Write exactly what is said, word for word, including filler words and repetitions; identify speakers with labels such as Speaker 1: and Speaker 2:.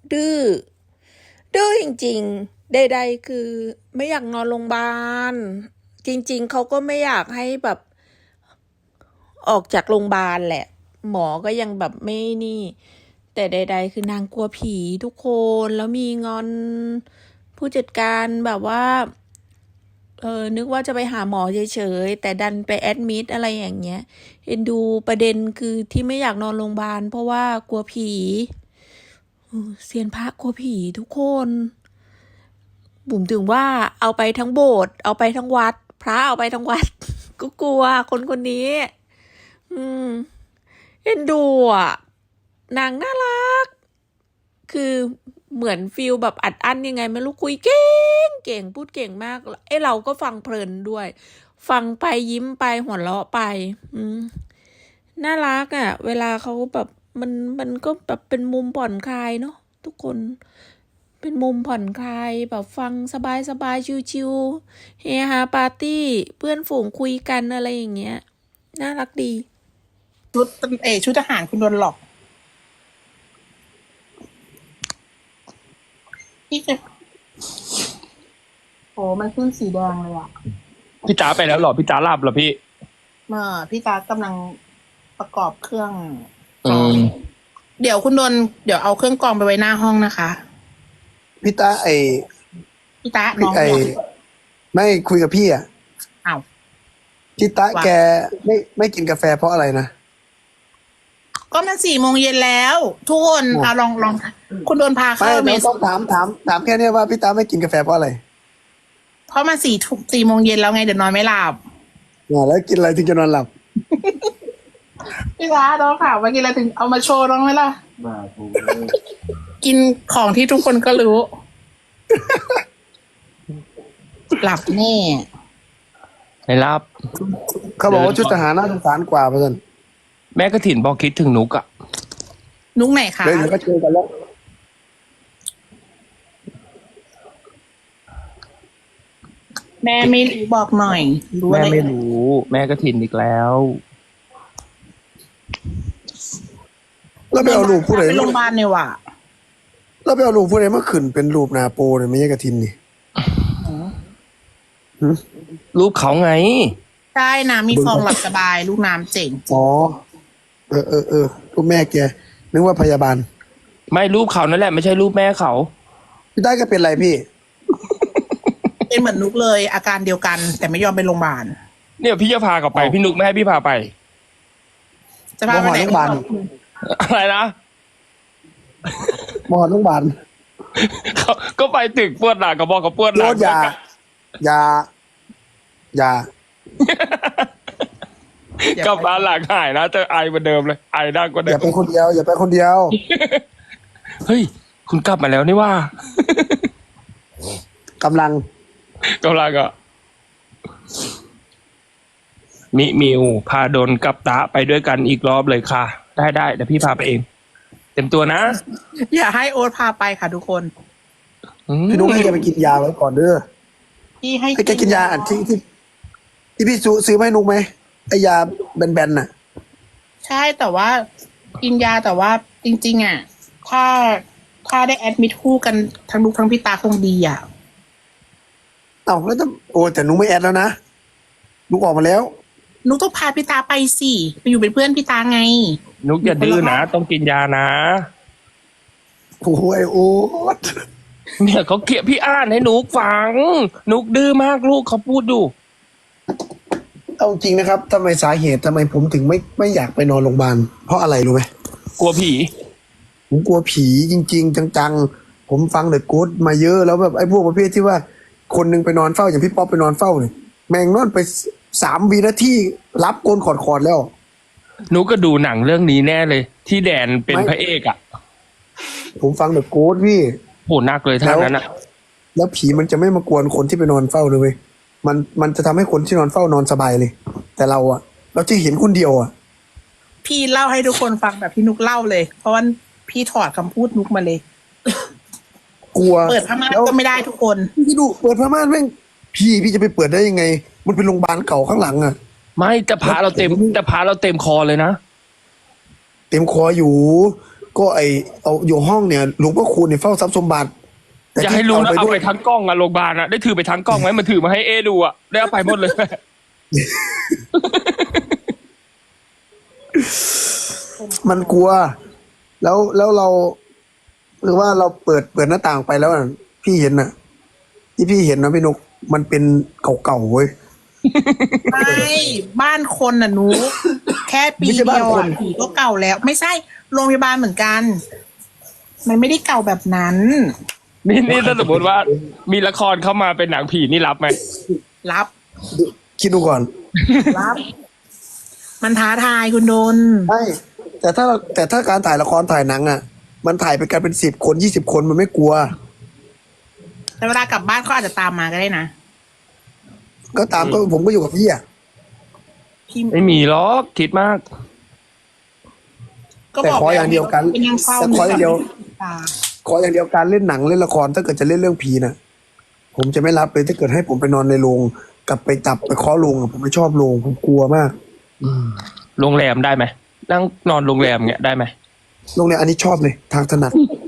Speaker 1: ดื้อดื้อจริงๆใดๆคือไม่อยากนอนโรงพยาบาลจริงๆเขาก็ไม่อยากให้แบบออกจากโรงพยาบาลแหละหมอก็ยังแบบไม่นี่ แต่ใดๆคือนางกลัวผีทุกคนแล้วมีงอนผู้จัดการแบบว่าเออนึกว่าจะไปหาหมอเฉยๆแต่ดันไปแอดมิดอะไรอย่างเงี้ยเอ็นดูประเด็นคือที่ไม่อยากนอนโรงพยาบาลเพราะว่ากลัวผีเซียนพระกลัวผีทุกคนบุ๋มถึงว่าเอาไปทั้งโบสถ์เอาไปทั้งวัดพระเอาไปทั้งวัดก็กลัวคนคนนี้อืมเอ็นดูอ่ะนางน่ารักคือเหมือนฟิลแบบอัดอั้นยังไงไม่รู้คุยเก่งเก่งพูดเก่งมากเอ้เราก็ฟังเพลินด้วยฟังไปยิ้มไปหัวเราะไปอืมน่ารักอ่ะเวลาเขาแบบมันมันก็แบบเป็นมุมผ่อนคลายเนาะทุกคนเป็นมุมผ่อนคลายแบบฟังสบายสบายชิวๆเฮฮาปาร์ตี้เพื่อนฝูงคุยกันอะไรอย่างเงี้ยน่ารักดี
Speaker 2: ชุดเออชุดทหารคุณโดนหลอกพี่จะโอ้มันขึ้นสีแดงเลยอ่ะ
Speaker 3: พี่จ๋าไปแล้วเหรอพี่จ๋าหลับเหรอพี่
Speaker 2: เมื่อพี่ตากำลังประกอบเครื่อง
Speaker 3: อืม
Speaker 2: เดี๋ยวคุณโดนเดี๋ยวเอาเครื่องกรองไปไว้หน้าห้องนะคะ
Speaker 4: พี่ตาไอ
Speaker 2: พี่ตาน้
Speaker 4: พี่
Speaker 2: อง
Speaker 4: ไอ
Speaker 2: เนี่ย
Speaker 4: ไม่คุยกับพี่อ่ะ
Speaker 2: อ้าว
Speaker 4: พี่ตา
Speaker 2: ว่า
Speaker 4: แกไม่ไม่กินกาแฟเพราะอะไรนะ
Speaker 2: ก็มันสี่โมงเย็นแล้ว ทุกคนเอาลองลองคุณโดนพา
Speaker 4: ไม่
Speaker 2: เข้าเม
Speaker 4: ไม่
Speaker 2: ส
Speaker 4: ต้องถามถามถามแค่เนี้ยว่าพี่ตาไม่กินกาแฟเพราะอะไร
Speaker 2: เพราะมันสี่ทุ่มสี่โมงเย็นแล้วไงเดี๋ยวนอนไม่หลับ
Speaker 4: อ่าแล้วกินอะไรถึงจะนอนหลับ
Speaker 2: พี่ตาน้องข่าวเมื่อกี้เราถึงเอามาโชว์น้องไหมล่ะกินของที่ทุกคนก็รู้ หลับแน่
Speaker 3: ไม่รับ
Speaker 4: เขาบอกว่าชุดทหารน่าสงสารกว่าเพื่อน
Speaker 3: แม่กระถินบอกคิดถึงนุกอะ
Speaker 2: นุ๊กไหนคะ
Speaker 4: เดี๋ยวเดี๋ยวก็เจอกันแล้ว
Speaker 2: แม่ไม่รู้บอกหน่อย รู้
Speaker 3: แม่
Speaker 2: อะไร
Speaker 3: ไม่รู้ แม่กระถินอีกแล้ว
Speaker 4: แล้วไปเอารูปผู้ใด
Speaker 2: ไปโรงพยาบาลเนี่ยว่ะ
Speaker 4: แล้วไปเอารูปผู้ใดมาขึ้นเป็นรูปนาโปเนี่ยไม่ใช่กระทินนี่หืม
Speaker 3: รูปเขาไง
Speaker 2: ใช่น้ำมีฟองหลับสบาย ลูกน้ำเจ๋ง
Speaker 4: อ๋อเออเออเออรูปแม่แกนึกว่าพยาบาล
Speaker 3: ไม่รูปเขานั่นแหละไม่ใช่รูปแม่เขา
Speaker 4: พี่ตาก็เป็นไรพี่
Speaker 2: เป็นเหมือนนุกเลย อาการเดียวกัน แต่ไม่ยอมไปโรงพยาบาล
Speaker 3: เนี่ยพี่จะพากลับไป
Speaker 4: อ๋อ
Speaker 3: พี่นุกไม่ให้พี่พาไป
Speaker 2: จะพาไปไหน
Speaker 4: โรงพยาบาล
Speaker 3: อะไรนะ
Speaker 4: หมอโรงพยาบาล
Speaker 3: เขาก็ไปตึกปวดหลังกับบอกกับปวดห
Speaker 4: โย
Speaker 3: ลัง
Speaker 4: ดยา ยา ยา
Speaker 3: กลับมาหลังหายนะเจอไอเหมือนเดิมเลย ไอดังกว่า
Speaker 4: อ
Speaker 3: เดิ
Speaker 4: ย่าม ไปคนเดียว อย่าไปคนเดียว
Speaker 3: เฮ้ย คุณกลับมาแล้วนี่ว่า
Speaker 4: กำลัง
Speaker 3: กำลังอะมิมิวพาโดนกับตาไปด้วยกันอีกรอบเลยค่ะ ได้ได้เดี๋ยวพี่พาไปเอง เต็มตัวนะ
Speaker 2: อย่าให้โอ๊ตพาไปค่ะทุกคน
Speaker 3: อืม
Speaker 4: พี่นุ๊กให้แกไปกินยาไว้ก่อนเด้อ
Speaker 2: พี่ให้
Speaker 4: ให้แกกินยาอันที่ที่ที่พี่ซื้อซื้อมาให้นุ๊กไหมไอยาแบนๆน่ะ
Speaker 2: ใช่แต่ว่ากินยาแต่ว่าจริง ๆ อ่ะ ถ้าถ้าได้แอดมิทคู่กันทั้งนุกทั้งพี่ตาคงดีอ่ะ
Speaker 4: เอ้าแล้วถ้าโอ้แต่นุ๊กไม่แอดแล้วนะนุ๊กออกมาแล้ว
Speaker 2: นุกต้องพาพี่ตาไปสิไปอยู่เป็นเพื่อนพี่ตาไง
Speaker 3: นุกอย่าดื้อนะ ต้องกินยานะ
Speaker 4: โอ้โหไอโอ๊ต
Speaker 3: เนี่ยเขาเกลียดพี่อ่านให้นุกฟัง นุกดื้อมากลูกเขาพูดอยู่
Speaker 4: เอาจริงนะครับทำไมสาเหตุทำไมผมถึงไม่ไม่อยากไปนอนโรงพยาบาลเพราะอะไรรู้ไหม
Speaker 3: กลัวผี
Speaker 4: ผมกลัวผีจริง ๆ จังๆ ผมฟังเดอะโกสต์มาเยอะแล้วแบบไอ้พวกประเภทที่ว่า คนหนึงไปนอนเฝ้าอย่างพี่ป๊อปไปนอนเฝ้าเนี่ยแม่งนอนไปสามวินาทีรับโกนขอดๆแล้ว
Speaker 3: นุกก็ดูหนังเรื่องนี้แน่เลย ที่แดนเป็น
Speaker 4: ไม่
Speaker 3: พระเอกอะ
Speaker 4: ผมฟังเดอะโกสต์พี่
Speaker 3: โหหนักเลยท่านั้นอะ
Speaker 4: แล้วผีมันจะไม่มากวนคนที่ไปนอนเฝ้าเลยเว้ยมันมันจะทำให้คนที่นอนเฝ้านอนสบายเลย แต่เราอะเราจะเห็นคนเดียวอะ
Speaker 2: พี่เล่าให้ทุกคนฟังแบบที่นุกเล่าเลย เพราะว่าพี่ถอดคำพูดนุกมาเลย
Speaker 4: กลัว
Speaker 2: เปิดผ้าม่าน
Speaker 4: แล้ว
Speaker 2: ก็ไม่ได้ทุกคน
Speaker 4: พี่ดูเปิดผ้าม่านแม่งพี่พี่จะไปเปิดได้ยังไง มันเป็นโรงพยาบาลเก่าข้างหลังอะ
Speaker 3: ไม่จะพาเราเต็มจะพาเราเต็มคอเลยนะ
Speaker 4: เต็มคออยู่ก็ไอเอาอยู่ห้องเนี่ยหลวงพ่อคูณเนี่ยเฝ้าทรัพย์สมบัติแต่
Speaker 3: อย่า
Speaker 4: ที่
Speaker 3: ให้รู้นะเอา
Speaker 4: ด้ว
Speaker 3: ไป
Speaker 4: ย
Speaker 3: ทั้งกล้องอะโรงพยาบาลอะได้ถือไปทั้งกล้องไหมมันถือมาให้เอดูอะได้เอาไปหมดเลย
Speaker 4: มันกลัว แล้วแล้วเราหรือว่าเราเปิดเปิดหน้าต่างไปแล้วน่ะพี่เห็นน่ะ ที่พี่เห็นนะพี่นกมันเป็นเก่าๆเว้ย
Speaker 2: ไม่บ้านคนน่ะหนูแค่ปี
Speaker 4: ไม่ใช่
Speaker 2: เดี
Speaker 4: บ้าน
Speaker 2: ยว
Speaker 4: ค
Speaker 2: อ่ะ
Speaker 4: น
Speaker 2: ผีก็เก่าแล้ว ไม่ใช่โรงพยาบาลเหมือนกัน มันไม่ได้เก่าแบบนั้น
Speaker 3: นี่นี่ถ้าสมมติว่ามีละครเข้ามาเป็นหนังผีนี่รับไหม
Speaker 2: รับ
Speaker 4: คิดดูก่อน
Speaker 2: รับ มันท้าทายคุณโดน
Speaker 4: ใช่แต่ถ้าแต่ถ้าการถ่ายละครถ่ายหนังอ่ะ มันถ่ายไปกันเป็นสิบคนยี่สิบคนมันไม่กลัว
Speaker 2: แต่เวลากลับบ้านเขาอาจจะตามมาก็ได้นะ
Speaker 4: ก็ตามก็ผมก็อยู่กับพี่อ่ะ
Speaker 2: พี่
Speaker 3: ไม่มีหรอกคิดมาก
Speaker 2: ก็
Speaker 4: แต่
Speaker 2: บอก
Speaker 4: ขออย่างเดียวกัน
Speaker 2: เป็นยังเฝ้า
Speaker 4: แต่ขออย่างเดียว
Speaker 2: ตา
Speaker 4: ขออย่างเดียวการเล่นหนังเล่นละครถ้าเกิดจะเล่นเรื่องผีน่ะ ผมจะไม่รับเลยถ้าเกิดให้ผมไปนอนในโรงกลับไปจับไปเคาะโรงอะผมไม่ชอบโรงผมกลัวมาก
Speaker 3: โรงแรมได้ไหมนั่งนอนโรงแรมเงี้ยได้ไหม
Speaker 4: โรงเรียนอันนี้ชอบเลยทางถนัด